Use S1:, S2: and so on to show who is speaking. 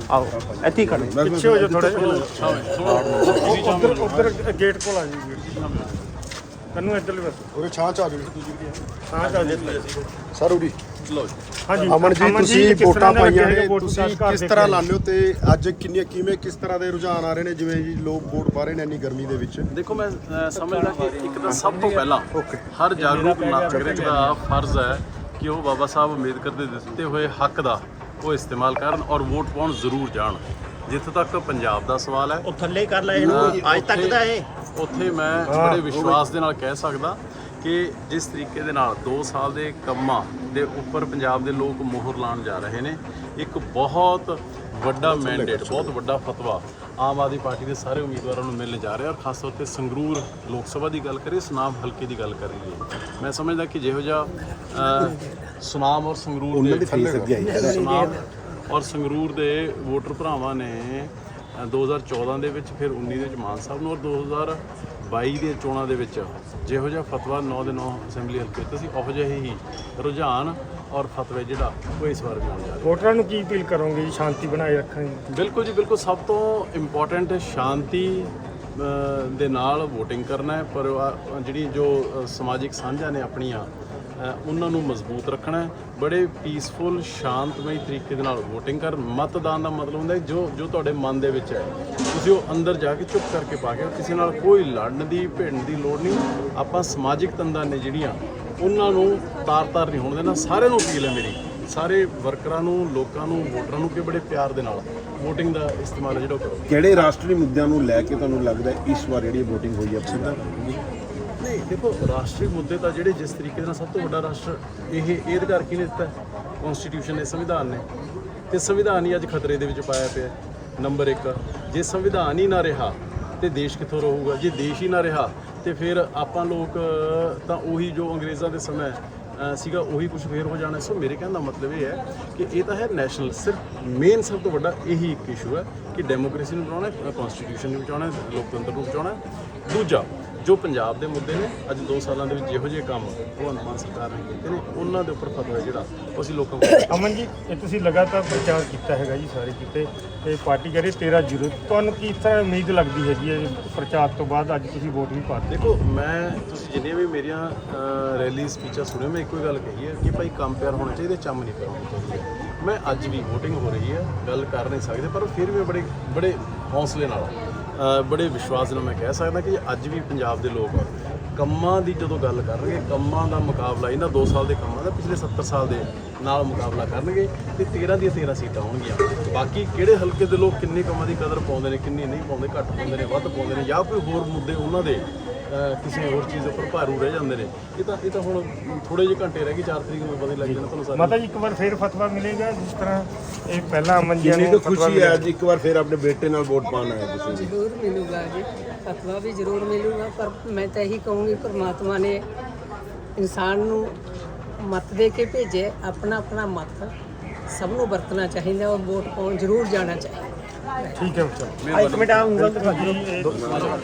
S1: ਆਓ ਇੱਥੇ ਹੀ ਖੜੇ
S2: ਪਿੱਛੇ ਹੋ ਜਾ ਥੋੜਾ ਉਧਰ ਗੇਟ ਕੋਲ ਆ ਜੀ ਕੰਨੂ ਇੱਧਰਲੇ ਪਾਸੇ
S3: ਉਹਦੇ ਛਾਂ ਚ ਆ ਜਾਓ
S2: ਹਾਂ ਚੱਲ ਜੀ
S3: ਸਰ ਉਰੀ
S2: ਹਾਂਜੀ
S3: ਅਮਨ ਜੀ ਤੁਸੀਂ
S2: ਕਿਸ
S3: ਵੋਟਾਂ
S2: ਤਰ੍ਹਾਂ
S3: ਪਾਈਆਂ
S2: ਲੱਗੇ
S3: ਨੇ
S2: ਵੋਟ
S3: ਤੁਸੀਂ
S2: ਘਰ
S3: ਕਿਸ
S2: ਦੇ
S3: ਤਰ੍ਹਾਂ
S2: ਕੇ?
S3: ਲਾਉਂਦੇ ਹੋ ਤੇ ਅੱਜ ਕਿਵੇਂ ਕਿਸ ਤਰ੍ਹਾਂ ਦੇ ਰੁਝਾਨ ਆ ਰਹੇ ਨੇ ਜਿਵੇਂ ਜੀ ਲੋਕ ਵੋਟ ਪਾ ਰਹੇ ਨੇ ਇੰਨੀ ਗਰਮੀ ਦੇ ਵਿੱਚ?
S4: ਦੇਖੋ ਮੈਂ ਸਮਝਦਾ ਕਿ ਇੱਕ ਤਾਂ ਸਭ ਤੋਂ ਪਹਿਲਾਂ ਹਰ ਜਾਗਰੂਕ ਨਾਗਰਿਕ ਦਾ ਫਰਜ਼ ਹੈ ਕਿ ਉਹ ਬਾਬਾ ਸਾਹਿਬ ਅੰਬੇਦਕਰ ਦੇ ਦਿੱਤੇ ਹੋਏ ਹੱਕ ਦਾ ਉਹ ਇਸਤੇਮਾਲ ਕਰਨ ਔਰ ਵੋਟ ਪਾਉਣ ਜ਼ਰੂਰ ਜਾਣ। ਜਿੱਥੇ ਤੱਕ ਪੰਜਾਬ ਦਾ ਸਵਾਲ ਹੈ
S1: ਉਹ ਥੱਲੇ ਕਰ ਲੈ ਇਹਨੂੰ ਅੱਜ ਤੱਕ ਦਾ ਇਹ
S4: ਉੱਥੇ ਮੈਂ ਬੜੇ ਵਿਸ਼ਵਾਸ ਦੇ ਨਾਲ ਕਹਿ ਸਕਦਾ ਕਿ ਜਿਸ ਤਰੀਕੇ ਦੇ ਨਾਲ 2 ਸਾਲ ਦੇ ਕੰਮਾਂ ਦੇ ਉੱਪਰ ਪੰਜਾਬ ਦੇ ਲੋਕ ਮੋਹਰ ਲਾਉਣ ਜਾ ਰਹੇ ਨੇ, ਇੱਕ ਬਹੁਤ ਵੱਡਾ ਮੈਂਡੇਟ, ਬਹੁਤ ਵੱਡਾ ਫਤਵਾ ਆਮ ਆਦਮੀ ਪਾਰਟੀ ਦੇ ਸਾਰੇ ਉਮੀਦਵਾਰਾਂ ਨੂੰ ਮਿਲਣ ਜਾ ਰਿਹਾ ਔਰ ਖਾਸ ਤੌਰ ਤੇ ਸੰਗਰੂਰ ਲੋਕ ਸਭਾ ਦੀ ਗੱਲ ਕਰੀਏ, ਸੁਨਾਮ ਹਲਕੇ ਦੀ ਗੱਲ ਕਰੀਏ, ਮੈਂ ਸਮਝਦਾ ਕਿ ਜਿਹੋ ਜਿਹਾ ਸੁਨਾਮ ਔਰ ਸੰਗਰੂਰ ਦੇ ਸੁਨਾਮ ਔਰ ਸੰਗਰੂਰ ਦੇ ਵੋਟਰ ਭਰਾਵਾਂ ਨੇ 2014 ਦੇ ਵਿੱਚ, ਫਿਰ 19 ਦੇ ਵਿੱਚ ਮਾਨ ਸਾਹਿਬ ਨੂੰ, ਔਰ 2022 ਦੀਆਂ ਚੋਣਾਂ ਦੇ ਵਿੱਚ ਜਿਹੋ ਜਿਹਾ ਫਤਵਾ 9 ਦੇ 9 ਅਸੈਂਬਲੀ ਹਲਕੇ ਉੱਤੇ ਸੀ, ਉਹੋ ਜਿਹੇ ਹੀ ਰੁਝਾਨ ਔਰ ਫਤਵੇ ਜਿਹੜਾ ਉਹ ਇਸ ਵਾਰ ਵੀ ਆਉਣ ਜਾ ਰਿਹਾ।
S2: ਵੋਟਰਾਂ ਨੂੰ ਕੀ ਅਪੀਲ ਕਰੋਗੇ ਜੀ ਸ਼ਾਂਤੀ ਬਣਾਏ ਰੱਖਣ ਦੀ?
S4: ਬਿਲਕੁਲ ਜੀ ਬਿਲਕੁਲ, ਸਭ ਤੋਂ ਇੰਪੋਰਟੈਂਟ ਸ਼ਾਂਤੀ ਦੇ ਨਾਲ ਵੋਟਿੰਗ ਕਰਨਾ ਹੈ, ਪਰ ਜਿਹੜੀ ਜੋ ਸਮਾਜਿਕ ਸਾਂਝਾਂ ਨੇ ਆਪਣੀਆਂ ਉਹਨਾਂ ਨੂੰ ਮਜ਼ਬੂਤ ਰੱਖਣਾ ਹੈ। ਬੜੇ ਪੀਸਫੁਲ ਸ਼ਾਂਤਮਈ ਤਰੀਕੇ ਦੇ ਨਾਲ ਵੋਟਿੰਗ ਕਰ। ਮਤਦਾਨ ਦਾ ਮਤਲਬ ਹੁੰਦਾ ਜੋ ਤੁਹਾਡੇ ਮਨ ਦੇ ਵਿੱਚ ਹੈ ਤੁਸੀਂ ਉਹ ਅੰਦਰ ਜਾ ਕੇ ਚੁੱਪ ਕਰਕੇ ਪਾ ਕੇ, ਕਿਸੇ ਨਾਲ ਕੋਈ ਲੜਨ ਦੀ ਭਿੜਨ ਦੀ ਲੋੜ ਨਹੀਂ। ਆਪਾਂ ਸਮਾਜਿਕ ਤੰਦਾਂ ਨੇ ਜਿਹੜੀਆਂ ਉਹਨਾਂ ਨੂੰ ਤਾਰ ਨਹੀਂ ਹੋਣ ਦੇਣਾ। ਸਾਰਿਆਂ ਨੂੰ ਅਪੀਲ ਹੈ ਮੇਰੀ, ਸਾਰੇ ਵਰਕਰਾਂ ਨੂੰ, ਲੋਕਾਂ ਨੂੰ, ਵੋਟਰਾਂ ਨੂੰ ਕਿ ਬੜੇ ਪਿਆਰ ਦੇ ਨਾਲ ਵੋਟਿੰਗ ਦਾ ਇਸਤੇਮਾਲ ਜਿਹੜਾ ਕਰੋ।
S5: ਕਿਹੜੇ ਰਾਸ਼ਟਰੀ ਮੁੱਦਿਆਂ ਨੂੰ ਲੈ ਕੇ ਤੁਹਾਨੂੰ ਲੱਗਦਾ ਇਸ ਵਾਰ ਜਿਹੜੀ ਵੋਟਿੰਗ ਹੋਈ ਹੈ ਸਿੱਧਾ?
S4: ਨਹੀਂ ਦੇਖੋ, ਰਾਸ਼ਟਰੀ ਮੁੱਦੇ ਤਾਂ ਜਿਹੜੇ ਜਿਸ ਤਰੀਕੇ ਨਾਲ ਸਭ ਤੋਂ ਵੱਡਾ ਰਾਸ਼ਟਰ ਇਹ ਅਧਿਕਾਰ ਕਿਹਨੇ ਦਿੱਤਾ? ਕਨਸਟੀਟਿਊਸ਼ਨ ਨੇ, ਸੰਵਿਧਾਨ ਨੇ। ਤੇ ਸੰਵਿਧਾਨ ਹੀ ਅੱਜ ਖਤਰੇ ਦੇ ਵਿੱਚ ਪਾਇਆ ਪਿਆ। ਨੰਬਰ 1, ਜੇ ਸੰਵਿਧਾਨ ਹੀ ਨਾ ਰਿਹਾ ਤੇ ਦੇਸ਼ ਕਿੱਥੋਂ ਰਹੂਗਾ? ਜੇ ਦੇਸ਼ ਹੀ ਨਾ ਰਿਹਾ ਤੇ ਫਿਰ ਆਪਾਂ ਲੋਕ ਤਾਂ ਉਹੀ ਜੋ ਅੰਗਰੇਜ਼ਾਂ ਦੇ ਸਮੇਂ ਸੀਗਾ ਉਹੀ ਕੁਝ ਫੇਰ ਹੋ ਜਾਣਾ। ਸੋ ਮੇਰੇ ਕਹਿਣ ਦਾ ਮਤਲਬ ਇਹ ਹੈ ਕਿ ਇਹ ਤਾਂ ਹੈ ਨੈਸ਼ਨਲ, ਸਿਰਫ ਮੇਨ ਸਭ ਤੋਂ ਵੱਡਾ ਇਹੀ ਇੱਕ ਇਸ਼ੂ ਹੈ ਕਿ ਡੈਮੋਕ੍ਰੇਸੀ ਨੂੰ ਬਚਾਉਣਾ, ਕਨਸਟੀਟਿਊਸ਼ਨ ਨੂੰ ਬਚਾਉਣਾ, ਲੋਕਤੰਤਰ ਨੂੰ ਬਚਾਉਣਾ। ਦੂਜਾ, ਜੋ ਪੰਜਾਬ ਦੇ ਮੁੱਦੇ ਨੇ, ਅੱਜ 2 ਸਾਲਾਂ ਦੇ ਵਿੱਚ ਜਿਹੋ ਜਿਹੇ ਕੰਮ ਭਗਵੰਤ ਮਾਨ ਸਰਕਾਰ ਨੇ ਕੀਤੇ ਨੇ, ਉਹਨਾਂ ਦੇ ਉੱਪਰ ਫਤਵਾ ਜਿਹੜਾ ਉਹ ਅਸੀਂ ਲੋਕਾਂ ਕੋਲ।
S2: ਅਮਨ ਜੀ, ਇਹ ਤੁਸੀਂ ਲਗਾਤਾਰ ਪ੍ਰਚਾਰ ਕੀਤਾ ਹੈਗਾ ਜੀ ਸਾਰੇ ਕਿਤੇ, ਤੇ ਪਾਰਟੀ ਕਰੇ 13 ਜ਼ੀਰੋ, ਤੁਹਾਨੂੰ ਕਿਸ ਤਰ੍ਹਾਂ ਉਮੀਦ ਲੱਗਦੀ ਹੈਗੀ ਹੈ ਪ੍ਰਚਾਰ ਤੋਂ ਬਾਅਦ ਅੱਜ ਤੁਸੀਂ ਵੋਟ ਵੀ ਪਾ ਦਿੱਤੀ?
S4: ਦੇਖੋ, ਤੁਸੀਂ ਜਿੰਨੀਆਂ ਵੀ ਮੇਰੀਆਂ ਰੈਲੀ ਸਪੀਚਾਂ ਸੁਣਿਓ, ਮੈਂ ਇੱਕੋ ਹੀ ਗੱਲ ਕਹੀ ਹੈ ਕਿ ਭਾਈ ਕੰਮ ਪਿਆਰ ਹੋਣਾ ਚਾਹੀਦਾ, ਚੰਮ ਨਹੀਂ ਕਰਾਉਣੀ ਚਾਹੀਦੀ। ਮੈਂ ਅੱਜ ਵੀ ਵੋਟਿੰਗ ਹੋ ਰਹੀ ਹੈ, ਗੱਲ ਕਰ ਨਹੀਂ ਸਕਦੇ, ਪਰ ਫਿਰ ਵੀ ਬੜੇ ਹੌਸਲੇ ਨਾਲ, ਬੜੇ ਵਿਸ਼ਵਾਸ ਨਾਲ ਮੈਂ ਕਹਿ ਸਕਦਾ ਕਿ ਅੱਜ ਵੀ ਪੰਜਾਬ ਦੇ ਲੋਕ ਕੰਮਾਂ ਦੀ ਜਦੋਂ ਗੱਲ ਕਰਨਗੇ, ਕੰਮਾਂ ਦਾ ਮੁਕਾਬਲਾ ਇਹਨਾਂ 2 ਸਾਲ ਦੇ ਕੰਮਾਂ ਦਾ ਪਿਛਲੇ 70 ਸਾਲ ਦੇ ਨਾਲ ਮੁਕਾਬਲਾ ਕਰਨਗੇ ਤੇ 13 ਦੀਆਂ 13 ਸੀਟਾਂ ਹੋਣਗੀਆਂ। ਬਾਕੀ ਕਿਹੜੇ ਹਲਕੇ ਦੇ ਲੋਕ ਕਿੰਨੇ ਕੰਮਾਂ ਦੀ ਕਦਰ ਪਾਉਂਦੇ ਨੇ, ਕਿੰਨੀ ਨਹੀਂ ਪਾਉਂਦੇ, ਘੱਟ ਪਾਉਂਦੇ ਨੇ, ਵੱਧ ਪਾਉਂਦੇ ਨੇ, ਜਾਂ ਕੋਈ ਹੋਰ ਮੁੱਦੇ ਉਹਨਾਂ ਦੇ ਕਿਸੇ ਹੋਰ ਚੀਜ਼ ਉੱਪਰ ਭਾਰੂ ਰਹਿ ਜਾਂਦੇ ਨੇ, ਇਹ ਤਾਂ ਹੁਣ ਥੋੜੇ ਜਿਹੇ ਘੰਟੇ ਰਹਿ ਗਏ, 4 ਤਰੀਕ ਨੂੰ ਪਤਾ ਹੀ ਲੱਗ ਜਾਣਾ ਤੁਹਾਨੂੰ ਸਾਰਿਆਂ ਨੂੰ।
S2: ਮਾਤਾ ਜੀ, ਇੱਕ ਵਾਰ ਫੇਰ ਫਤਵਾ ਮਿਲੇਗਾ ਜਿਸ ਤਰ੍ਹਾਂ ਇਹ ਪਹਿਲਾਂ ਅਮਨ ਜੀ
S5: ਕਿੰਨੀ
S2: ਨੂੰ
S5: ਕੁ ਖੁਸ਼ੀ ਹੈ ਅੱਜ ਇੱਕ ਵਾਰ ਫਿਰ ਆਪਣੇ ਬੇਟੇ ਨਾਲ ਵੋਟ ਪਾਉਣ ਆਏ ਤੁਸੀਂ ਜੀ?
S6: ਜ਼ਰੂਰ ਮਿਲੂਗਾ ਜੀ, ਫਤਵਾ ਵੀ ਜ਼ਰੂਰ ਮਿਲੂਗਾ, ਪਰ ਮੈਂ ਤਾਂ ਇਹੀ ਕਹੂੰਗੀ ਪਰਮਾਤਮਾ ਨੇ ਇਨਸਾਨ ਨੂੰ ਮਤ ਦੇ ਕੇ ਭੇਜੇ, ਆਪਣਾ ਆਪਣਾ ਮਤ ਸਭ ਨੂੰ ਵਰਤਣਾ ਚਾਹੀਦਾ ਔਰ ਵੋਟ ਪਾਉਣ ਜ਼ਰੂਰ ਜਾਣਾ ਚਾਹੀਦਾ।
S2: ਠੀਕ ਹੈ, ਚਲੋ 1 ਮਿੰਟ ਆ ਉਂਗਲ ਦਿਖਾ ਦਿਓ।